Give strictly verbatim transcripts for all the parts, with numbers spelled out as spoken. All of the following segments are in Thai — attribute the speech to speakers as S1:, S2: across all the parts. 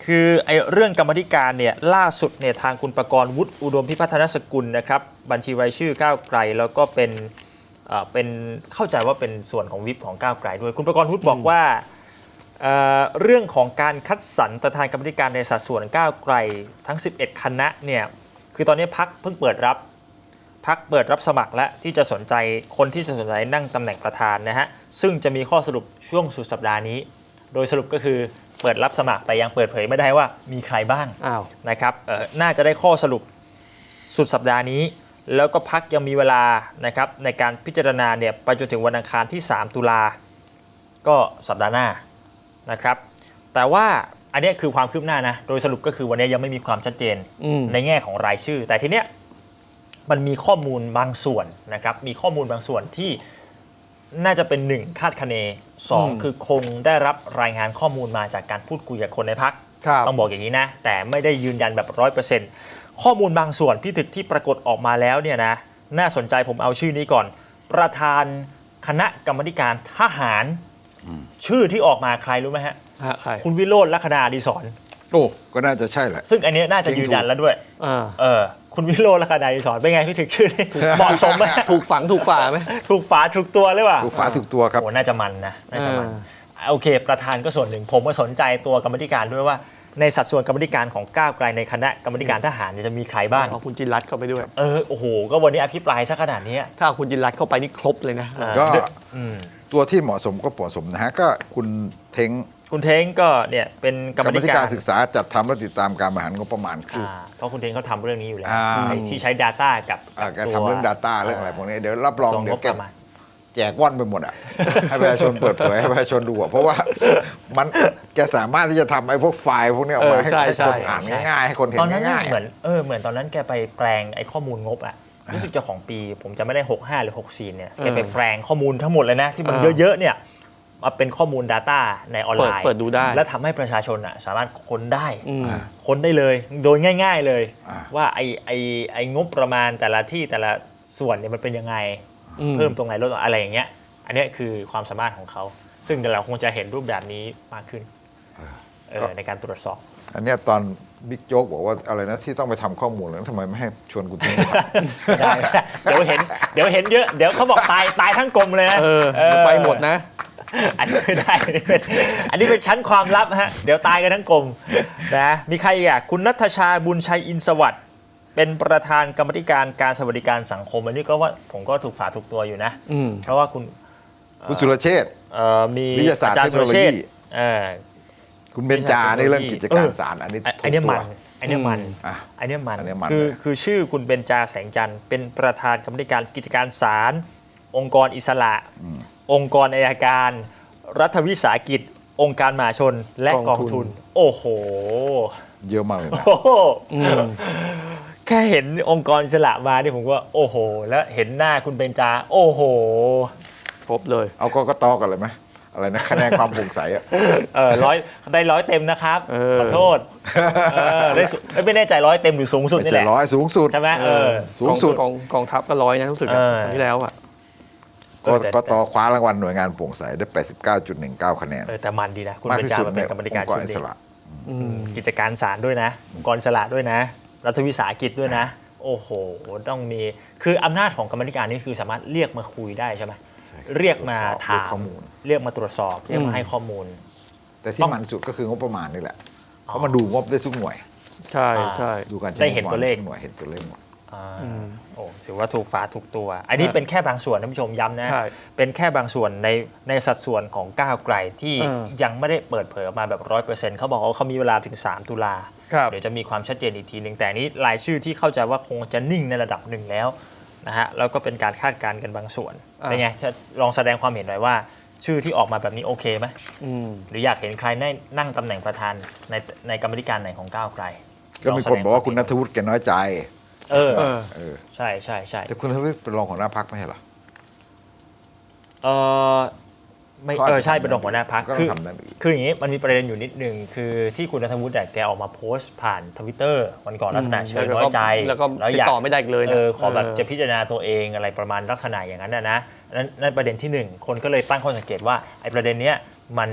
S1: คือไอ้เรื่องกรรมธิการเนี่ยล่าสุดเนี่ยทางคุณประกรณ์วุฒิอุดมพิพัฒนสกุลนะครับบัญชีรายชื่อก้าวไกลแล้วก็เป็นเอ่อเป็นเข้าใจว่าเป็นส่วนของวิปของก้าวไกลด้วยคุณประกรณ์วุฒิบอกว่าเอ่อเรื่องของการคัดสรรประธานกรรมธิการในสัดส่วนก้าวไกลทั้งสิบเอ็ดคณะเนี่ยคือตอนนี้พรรคเพิ่งเปิดรับพรรคเปิดรับสมัครและที่จะสนใจคนที่จะสนใจนั่งตำแหน่งประธานนะฮะซึ่งจะมีข้อสรุปช่วงสุดสัปดาห์นี้โดยสรุปก็คือเปิดรับสมัครแต่ยังเปิดเผยไม่ได้ว่ามีใครบ้างนะครับน่าจะได้ข้อสรุปสุดสัปดาห์นี้แล้วก็พักยังมีเวลานะครับในการพิจารณาเนี่ยไปจนถึงวันอังคารที่สามตุลาก็สัปดาห์หน้านะครับแต่ว่าอันนี้คือความคืบหน้านะโดยสรุปก็คือวันนี้ยังไม่มีความชัดเจนในแง่ของรายชื่อแต่ทีเนี้ยมันมีข้อมูลบางส่วนนะครับมีข้อมูลบางส่วนที่น่าจะเป็นหนึ่งคาดคะเนสองคือคงได้รับรายงานข้อมูลมาจากการพูดคุยกับคนในพรรคต้องบอกอย่างนี้นะแต่ไม่ได้ยืนยันแบบร้อยเปอร์เซ็นต์ข้อมูลบางส่วนพี่ถึกที่ปรากฏออกมาแล้วเนี่ยนะน่าสนใจผมเอาชื่อนี้ก่อนประธานคณะกรรมการทหารชื่อที่ออกมาใครรู้ไหมฮะคุณวิโรจน์ ลักษณะอดิศร
S2: โอ้ก็น่าจะใช่แหละ
S1: ซึ่งอันนี้น่าจะยืนยันแล้วด้วยเออคุณวิโรจน์ ลักษณะอดิศรเป็นไงพี่ถึกชื่อเหมาะสมไหม
S3: ถูกฝังถูกฝาไหม
S1: ถูกฝาถูกตัวหรือเปล่า
S2: ถูกฝาถูกตัวครับ
S1: โอ้น่าจะมันนะน่าจะมันโอเคประธานก็ส่วนหนึ่งผมก็สนใจตัวกรรมการด้วยว่าในสัดส่วนกรรมการของก้าวไกลในคณะกรรมการทหารจะมีใครบ้าง
S3: เอาคุณจินรัตน์เข้าไปด้วย
S1: เออโอ้โหก็วันนี้อภิปรายซะขนาดนี้
S3: ถ้าคุณจินรัตน์เข้าไปนี่ครบเลยนะ
S2: ก็ตัวที่เหมาะสมก็เหมาะสมนะฮะก็คุณเท้ง
S1: คุณเท้งก็เนี่ยเป็นกรรม
S2: การศึกษาจัดทำและติดตามการบริหารงบประมาณคือ
S1: เพราะคุณเท้งเขาทำเรื่องนี้อยู่แล้วที่ใช้ Data กับ
S2: การทำเรื่อง Data เรื่องอะไรพวกนี้เดี๋ยวรับรองเดี๋ยวแกแจกว่อนไปหมดอ่ะให้ประชาชนเปิดเผยให้ประชาชนดูอ่ะเพราะว่ามันแกสามารถที่จะทำไอ้พวกไฟล์พวกนี้ออกมาให้คนอ่านง่ายๆให้คนเห็นง่าย
S1: ๆเหมือนเออเหมือนตอนนั้นแกไปแปลงไอ้ข้อมูลงบอ่ะรู้สึกจะของปีผมจะไม่ได้หกสิบห้าหรือหกสิบสี่เนี่ยแกไปแปลงข้อมูลทั้งหมดเลยนะที่มันเยอะๆเนี่ยมาเป็นข้อมูล Data ในออนไลน์
S3: เปิดดูได้
S1: และทำให้ประชาชนอ่ะสามารถค้นได้ค้นได้เลยโดยง่ายๆเลยว่าไอ้ไอ้ไอ้งบประมาณแต่ละที่แต่ละส่วนเนี่ยมันเป็นยังไงเพิ่มตรงไหนลดอะไรอย่างเงี้ยอันนี้คือความสามารถของเขาซึ่งเราคงจะเห็นรูปแบบนี้มากขึ้นในการตรวจสอบ
S2: อันนี้ตอนบิ๊กโจ๊กบอกว่าอะไรนะที่ต้องไปทำข้อมูลแล้วทำไมไม่ให้ชวนคุณทิ้ง
S1: ได้เดี๋ยวเห็นเดี๋ยวเห็นเยอะเดี๋ยวเขาบอกตายตายทั้งกลมเลยนะ
S3: ไปหมดนะ
S1: อันนี้ไม่ได้อันนี้เป็นชั้นความลับฮะเดี๋ยวตายกันทั้งกลมนะมีใครอ่ะคุณณัฐชาบุญชัยอินทร์สวัสดิ์เป็นประธานกรรมการการสวัสดิการสังคมอันนี้ก็ว่าผมก็ถูกฝาถูกตัวอยู่นะเพราะว่าคุณ
S2: คุณสุรเชษฐ์
S1: มี
S2: วิทยาศาสตร์เทคโนโลยีคุณเบญจาในเรื่องกิจการศาลอันนี้
S1: อันนี้มันอันนี้มันอันนี้มันคือคือชื่อคุณเบญจาแสงจันทร์เป็นประธานกรรมการกิจการศาลองค์กรอิสระองค์กรอัยการรัฐวิสาหกิจองค์การมหาชนและกองทุนโอ้โห
S2: เยอะมากเลยนะ
S1: แค่เห็นองค์กรอิสระมานี่ผมว่าโอ้โหแล้วเห็นหน้าคุณเบญจาโอ้โห
S3: ครบเลย
S2: เอาก็ก็ตอกันเลยไหมอะไรนะคะแนนความโปร่งใสอ่ะ
S1: เออร้อยได้ร้อยเต็มนะครับขอโทษได้ไม่แน่ใจร้อยเต็มหรือสูงสุดนี่แหละ
S2: ร้อยสูงสุด
S1: ใช่ไหมเออ
S2: สูงสุด
S3: กองกองทัพก็ร้อยนะรู้สึกครั้งที่แล้วอ่ะ
S2: ก็ต่อคว้ารางวัลหน่วยงานโปร่งใสได้ แปดสิบเก้าจุดหนึ่งเก้า คะแนน
S1: เออแต่มันดีนะคุณเบญจาเป็นกรรมการชุดนี้กิจการศาลด้วยนะองค์กรอิสระด้วยนะรัฐวิสาหกิจด้วยนะโอ้โหต้องมีคืออำนาจของกรรมการนี่คือสามารถเรียกมาคุยได้ใช่ไหมเรียกมาถามเรียกมาตรวจสอบเรียกมาให้ข้อมูล
S2: แต่ที่มันสุดก็คืองบประมาณนี่แหละเพราะมันดูงบได้ทุกหน่วย
S3: ใช่ใช่
S2: ดูการ
S1: ได้เห็นตัวเลข
S2: หน่วยเห็นตัวเลขหมด
S1: โอ้ถือว่าถูกฝาถูกตัวอันนี้เป็นแค่บางส่วนท่านผู้ชมย้ำนะเป็นแค่บางส่วนในในสัดส่วนของก้าวไกลที่ยังไม่ได้เปิดเผยออกมาแบบร้อยเปอร์เซ็นต์เขาบอกว่าเขามีเวลาถึงสามตุลาเดี๋ยวจะมีความชัดเจนอีกทีหนึ่งแต่นี้รายชื่อที่เข้าใจว่าคงจะนิ่งในระดับหนึ่งแล้วนะฮะแล้วก็เป็นการคาดการณ์กันบางส่วนเป็นไงจะลองแสดงความเห็นหน่อยว่าชื่อที่ออกมาแบบนี้โอเคไหมหรืออยากเห็นใครได้นั่งตำแหน่งประธานในในกรรมการไหนของก้าวไกล
S2: ก็มีคนบอกว่าคุณณัฐวุฒิแกน้อยใจ
S1: เออเออใช่ใช่ใช่
S2: แต่คุณณัฐวุฒิเป็นรองหัวหน้าพรรคไม่ใช่หรอ
S1: เออไม่เออใช่เป็นรองหัวหน้าพรรคคือคืออย่างนี้มันมีประเด็นอยู่นิดนึงคือที่คุณณัฐวุฒิแกออกมาโพสต์ผ่านทวิตเตอร์วันก่อนลักษณะเชิญน้อยใจ
S3: แล้วก็ติดต่อไม่ได้เลย
S1: เออขอแบบจะพิจารณาตัวเองอะไรประมาณลักษณะอย่างนั้นนะนั่นนั่นประเด็นที่หนึ่งคนก็เลยตั้งข้อสังเกตว่าไอ้ประเด็นเนี้ยมัน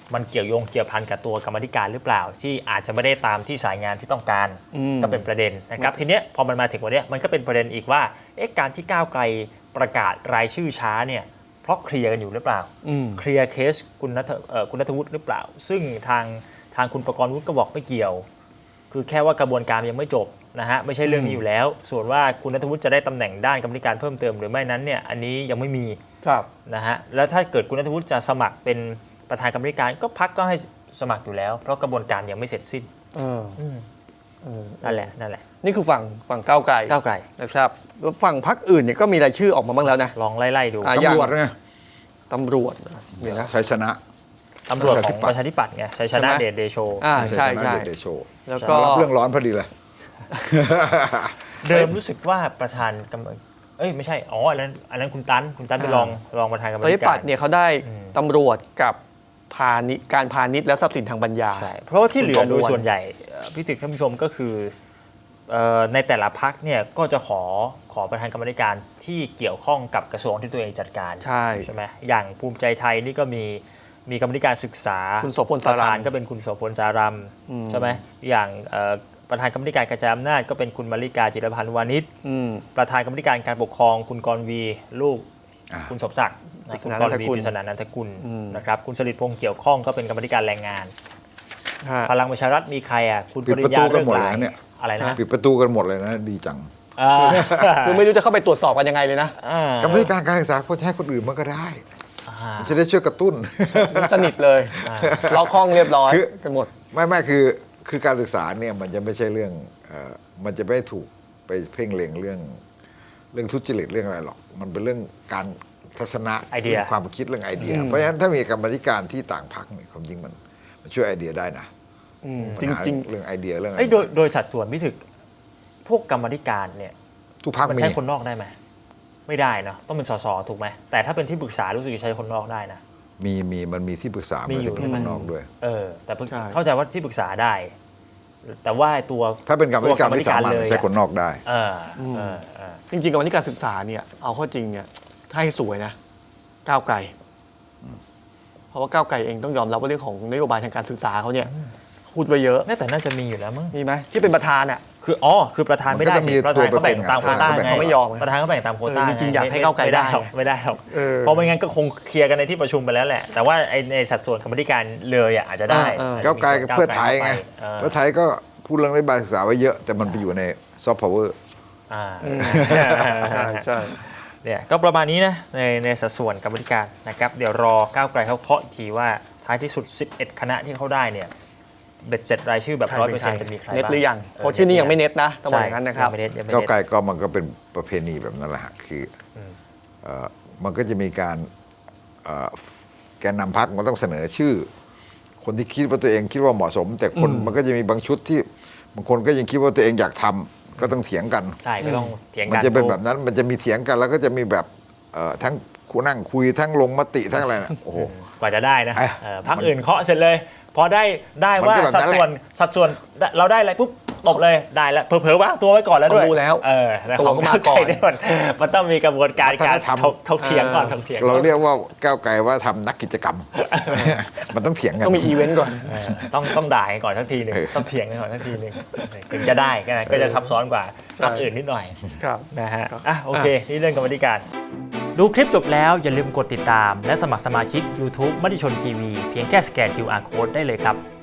S1: มันเกี่ยวโยงเกี่ยวพันกับตัวกรรมาธิการหรือเปล่า ที่อาจจะไม่ได้ตามที่สายงานที่ต้องการ
S3: อืม
S1: ก็เป็นประเด็นนะครับทีเนี้ยพอมันมาถึงวันเนี้ยมันก็เป็นประเด็นอีกว่าเอ๊ะการที่ก้าวไกลประกาศรายชื่อช้าเนี่ยเพราะเคลียร์กันอยู่หรือเปล่า
S3: อืม
S1: เคลียร์เคสคุณณัฐเอ่อคุณณัฐวุฒิหรือเปล่า ซึ่งทางทางคุณประกรณ์วุฒิก็บอกไม่เกี่ยว คือแค่ว่ากระบวนการยังไม่จบนะฮะไม่ใช่เรื่องนี้อยู่แล้ว ส่วนว่าคุณณัฐวุฒิจะได้ตำแหน่งด้านกรรมาธิการเพิ่มเติมหรือไม่นั้นเนี่ยอันนี้ยังไม่มี
S3: ครับ
S1: นะฮะแล้วถ้าเกิดคุณณัฐวุฒิจะสมัครเป็นประธานกรรมาธิการก็พักก็ให้สมัครอยู่แล้ว เพราะกระบวนการยังไม่เสร็จสิ้น
S3: เออ
S1: อืม
S3: เออ
S1: นั่นแหละนั่นแหละ
S3: นี่คือฝั่งฝั่งก้าวไกล
S1: ก้าวไกล
S3: นะครับแล้วฝั่งพรรคอื่นเนี่ยก็มีรายชื่อออกมาบ้างแล้วนะ
S1: ลองไล่ๆดู
S3: อ่ะ
S2: ตำรวจไง
S3: ตำรวจเดี๋ยวนะ
S2: ชัยชนะ
S1: ตำรวจของประชาธิปัตย์ไงชัยชนะ
S3: ใช่ไหม
S1: เดชเดโช
S3: อ่า
S2: ชัย
S3: ใช่
S2: ชนะ
S3: ใช่
S2: เดชเดโช
S3: แล้วก็
S2: รับเรื่องร้อนพอดีเลย
S1: เดิมรู้สึกว่าประธานกรรมเอ้ยไม่ใช่อ๋ออันนั้นอันนั้นคุณตันคุณตันเป็นรองรองประธานกรร
S3: ป
S1: มา
S3: ระชา
S1: ธิ
S3: ธิปั
S1: กา
S3: ต
S1: ร
S3: ย์เนี่ยเขาได้
S1: อืม
S3: ตำรวจกับพาณิชย์การพาณิชย์และทรัพย์สินทางปัญญา
S1: ใช่เพราะว่าที่เหลือ
S3: คุณ
S1: โด
S3: ประ
S1: ย
S3: มวล
S1: ส่วนใหญ่เอ่อพี่ตึกท่านผู้ชมก็คือเอ่อในแต่ละพักเนี่ยก็จะขอขอประธานกรรมาธิการที่เกี่ยวข้องกับกระทรวงที่ตัวเองจัดการ
S3: ใช่
S1: ใช่ไหมอย่างภูมิใจไทยนี่ก็มีมีกรรมาธิการศึกษา
S3: คุณโสพล
S1: ป
S3: สา
S1: ระ
S3: รั
S1: ธาน
S3: ม
S1: ก็เป็นคุณโสพลสารัม
S3: อืม
S1: ใช่ไหมอย่างเอ่อประธานกรรมาธิการกระจายอำนาจก็เป็นคุณมาริกาจิรพันธ์วานิช
S3: อืม
S1: ประธานกรรมาธิการการปกครองคุณกรวีลูก
S2: อ่า
S1: คุณสมศักดิ์นะ
S3: ปริศ
S1: คุณ
S3: นาก นั
S1: ร
S3: นท
S1: วี
S3: กุล
S1: ปริศนานันทกุล
S3: อืม
S1: นะครับคุณสลิดพงษ์เกี่ยวข้องก็เป็นกรรมาธิการแรงงาน
S3: ฮะ
S1: พลังประชารัฐมีใครอ่ะคุณ
S2: ปิ
S1: ป
S2: ด
S1: ริ
S2: ประ
S1: ญญา
S2: ตูกัน
S1: เรื่อง
S2: หมด
S1: ห
S2: เลย
S1: ลาย
S2: นะเนี่ย
S1: อะไรนะ
S2: ปิดประตูกันหมดเลยนะดีจัง
S1: อ่า
S3: คือไม่รู้จะเข้าไปตรวจสอบกันยังไงเลยนะ
S1: อ่าก
S2: รรมธิการการศึกษาควรจะให้คนอื่นมันก็ได้
S1: อ่า
S2: มันจะได้ช่วยกระตุ้น
S3: สนิทเลย
S1: อ่า
S3: ล็อกห้องเรียบร้อย
S2: คือ
S3: กันหมด
S2: ไม่ไม่คือคือการศึกษาเนี่ยมันจะไม่ใช่เรื่องเอ่อมันจะไม่ถูกไปเพ่งเล็งเรื่องเรื่องทุจริตเรื่องอะไรหรอก มันเป็นเรื่องการทัศนะ
S1: ไอเดีย
S2: รื่องความคิดเรื่องไอเดีย
S3: อืม
S2: เพราะฉะนั้นถ้ามีกรรมาธิการที่ต่างพรรคเนี่ยความจริงมันมันช่วยไอเดียได้นะ
S3: อืม
S2: ปั
S3: จ
S2: ญหา
S3: ริง
S2: เรื่องไอเดียเรื่องอะไร
S1: เอ้ยโดยโดยสัดส่วนพี่ถึกพวกกรรมาธิการเนี่ย
S2: ทุกพรรค
S1: มัน
S2: มี
S1: ใช้คนนอกได้ไหมไม่ได้เนาะต้องเป็นสสถูกไหมแต่ถ้าเป็นที่ปรึกษารู้สึกจะใช้คนนอกได้นะ
S2: มีมีมันมีที่ปรึกษา
S1: มี
S2: มี
S1: อยู่
S2: ที่
S1: ใช่ไหม
S2: ข้างนอกด้วย
S1: เออแต่เพิ่ง
S3: ใช่
S1: เข้าใจว่าที่ปรึกษาได้ แต่ว่าตัว
S2: ถ้าเป็นกรรมาธิการที่สามารถ
S1: เลยอะ
S2: ใช้คนนอกได้
S1: เออเออเออ
S3: ๆ จริงๆกับวันที่การศึกษาเนี่ยเอาเข้อจริงเนี่ยถ้าให้สวยนะก้าวไกลเพราะว่าก้าวไกลเองต้องยอมรับว่าเรื่องของนโยบายทางการศึกษาเขาเนี่ยพูดไปเยอะ
S1: น่าแต่น่าจะมีอยู่แล้วมั้ง
S3: มีไหมที่เป็นประธานอ่ะ
S1: คืออ๋อคือประธานไม่ได้
S2: มันก็จะมี
S1: สิประธานเขาแบ่งตามโควต้า
S2: ตัวเป็น
S1: ไง
S3: เขาไม่ยอมไง
S1: ประธานเขาแบ่งตามโควต้า
S3: เออจริงๆอยากให้
S1: ม่
S3: ก้าวไกล
S1: ม่หรอก
S3: ได้
S1: ไม่ได้หรอก
S3: เออ
S1: เพราะไม่งั้นก็คงเคลียร์กันในที่ประชุมไปแล้วแหละ แต่ว่าไอ้ในสัดส่วนกรรมาธิการเลยอ่ะอาจจะได้
S3: เออเออ
S1: อาจจะ
S2: ก้าวไกล
S1: มีส่วน
S2: เพื่อไทยไง
S1: เออ
S2: เพื่อไทยก็พูดเรื่องนโยบายศึกษาไว้เยอะ แต่มันไปอยู่ในซอฟต์พาวเวอร์
S1: อ่า
S3: อืมใช่ใช่
S1: เนี่ยก็ประมาณนี้นะในในสัดส่วนกรรมาธิการนะครับเดี๋ยวรอก้าวไกลเขาเคาะอีกทีว่าท้ายที่สุดสิบเอ็ดคณะที่เขาได้เนี่ยเบ็ดเสร็จรายชื่อแบบ
S3: ใคร
S1: ร้อย
S3: เป็
S1: เปอร์
S3: น
S1: เซ็นต์จะมีใคร
S3: เน็ต
S1: บ้าง
S3: หรือยังเพราะชื่อนี้ยังไม่เน็ตนะต้องบอก
S1: ใช่
S3: อย่างนั้นนะครับ
S1: ยังไม่เน็ตยังไม่
S2: ก้าว
S1: เน็ต
S2: ไกลก็มันก็เป็นประเพณีแบบนั้นแหละฮะคืออ
S1: ม
S2: เอ่อมันก็จะมีการเอ่อแกนนำพรรคมันต้องเสนอชื่อ คนที่คิดว่าตัวเองคิดว่าเหมาะสม แต่คน
S3: อืม
S2: มันก็จะมีบางชุดที่บางคนก็ยังคิดว่าตัวเองอยากทำก็ต้องเถียงกัน
S1: ใช่ก็ต้องเถียง
S2: มัน
S1: กัน
S2: จะเป็นแบบนั้น มันจะมีเถียงกัน แล้วก็จะมีแบบเอ่อทั้งคุนั่งคุยทั้งลงมติทั้งอะไรนะโอ้โห
S1: กว่าจะได้นะ
S2: ไอ้
S1: เออพรรคอื่นเคาะเสร็จเลย พอได้ได้
S2: มัน
S1: ว่า
S2: ก็แบบ
S1: สัด
S2: นั้นแหละ
S1: ส่วนสัดส่วนเราได้อะไรปุ๊บตบเลยได้แล้วเผลอๆว่างตัวไว้ก่อนแล้วด้วย
S3: ต้องรู้แล้ว
S1: เออแต่
S3: ตัว
S1: ของ
S3: ก็มาก่อน
S1: ก้วไเนี่ยมันมันต้องมีกระบวนการการ
S2: วัฒนธรรม
S1: ถกถกเถียงก่อนถกเถียงก่อน
S2: เราเรียกว่าก้าวไกลว่าทำนักกิจกรรม มันต้องเถียงกัน
S3: ต้องมีอีเวนต์ก่อน
S1: เออต้องต้องด่ากันก่อนทักทีหนึ่ง
S2: เออ
S1: ต้องเถียงกันก่อนทักทีหนึ่งถึงจะได้ก็ก็จะซับซ้อนกว่า
S3: ใช่
S1: พรรคอื่นนิดหน่อย
S3: ครับ
S1: นะฮะ
S3: ครับ
S1: อ่ะโอเค นี่เรื่องกรรมธิการ ดูคลิปจบแล้วอย่าลืมกดติดตาม และสมัครสมาชิก YouTube มติชนทีวีเพียงแค่สแกน คิว อาร์ Code ได้เลยครับ